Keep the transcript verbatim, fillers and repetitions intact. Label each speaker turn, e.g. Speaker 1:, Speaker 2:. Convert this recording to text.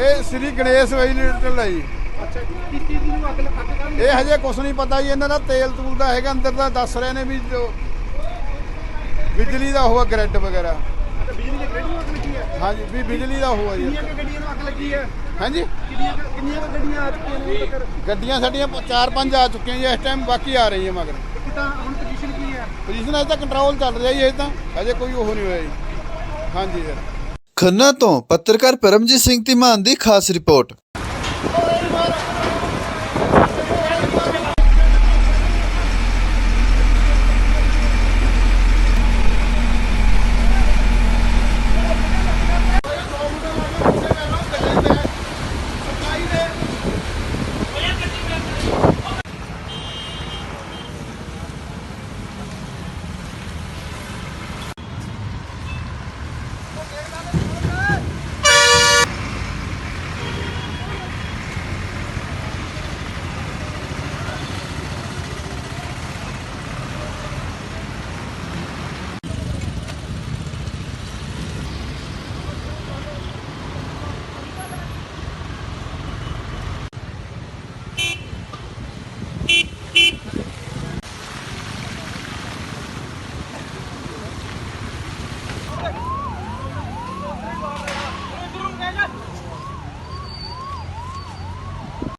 Speaker 1: ਇਹ ਸ੍ਰੀ ਗਣੇਸ਼ ਵੈਜੀਟੇਬਲ ਹੈ ਜੀ।
Speaker 2: ਅੱਛਾ, ਕਿਸ ਚੀਜ਼ ਦੀ ਅੱਗ ਅੱਗ ਕਾਹਦੀ?
Speaker 1: ਇਹ ਹਜੇ ਕੁਛ ਨਹੀਂ ਪਤਾ ਜੀ, ਇਹਨਾਂ ਦਾ ਤੇਲ ਤੂਲ ਦਾ ਹੈਗਾ ਅੰਦਰ ਦਾ, ਦੱਸ ਰਹੇ ਨੇ ਵੀ ਜੋ ਬਿਜਲੀ ਦਾ ਹੋਆ ਗ੍ਰਿਡ ਵਗੈਰਾ।
Speaker 2: ਅੱਛਾ, ਬਿਜਲੀ ਦੇ ਗ੍ਰਿਡ ਨੂੰ ਅੱਗ ਲੱਗੀ ਹੈ?
Speaker 1: ਹਾਂਜੀ ਵੀ ਬਿਜਲੀ ਦਾ ਹੋਆ ਜੀ।
Speaker 2: ਕਿੰਨੀਆਂ ਕੁ ਗੱਡੀਆਂ ਨੂੰ ਅੱਗ ਲੱਗੀ ਹੈ?
Speaker 1: ਹਾਂਜੀ
Speaker 2: ਕਿੰਨੀਆਂ ਕੁ- ਕਿੰਨੀਆਂ ਕੁ ਗੱਡੀਆਂ ਆ ਚੁੱਕੀਆਂ ਨੇ ਹੁਣ ਤੱਕ?
Speaker 1: ਗੱਡੀਆਂ ਸਾਡੀਆਂ ਚਾਰ ਪੰਜ ਆ ਚੁੱਕੀਆਂ ਜੀ ਇਸ ਟਾਈਮ, ਬਾਕੀ ਆ ਰਹੀਆਂ ਮਗਰ।
Speaker 2: ਕਿੱਦਾਂ ਹੁਣ ਪੋਜੀਸ਼ਨ ਕੀ ਹੈ?
Speaker 1: ਪੋਜੀਸ਼ਨ ਅਜੇ ਤਾਂ ਕੰਟਰੋਲ ਚੱਲ ਰਿਹਾ ਜੀ, ਅਜੇ ਤਾਂ ਅਜੇ ਕੋਈ ਉਹ ਨਹੀਂ ਹੋਇਆ ਜੀ। ਹਾਂਜੀ ਸਰ।
Speaker 3: ਖੰਨਾ ਤੋਂ ਪੱਤਰਕਾਰ ਪਰਮਜੀਤ ਸਿੰਘ ਧੀਮਾਨ ਦੀ ਖਾਸ ਰਿਪੋਰਟ।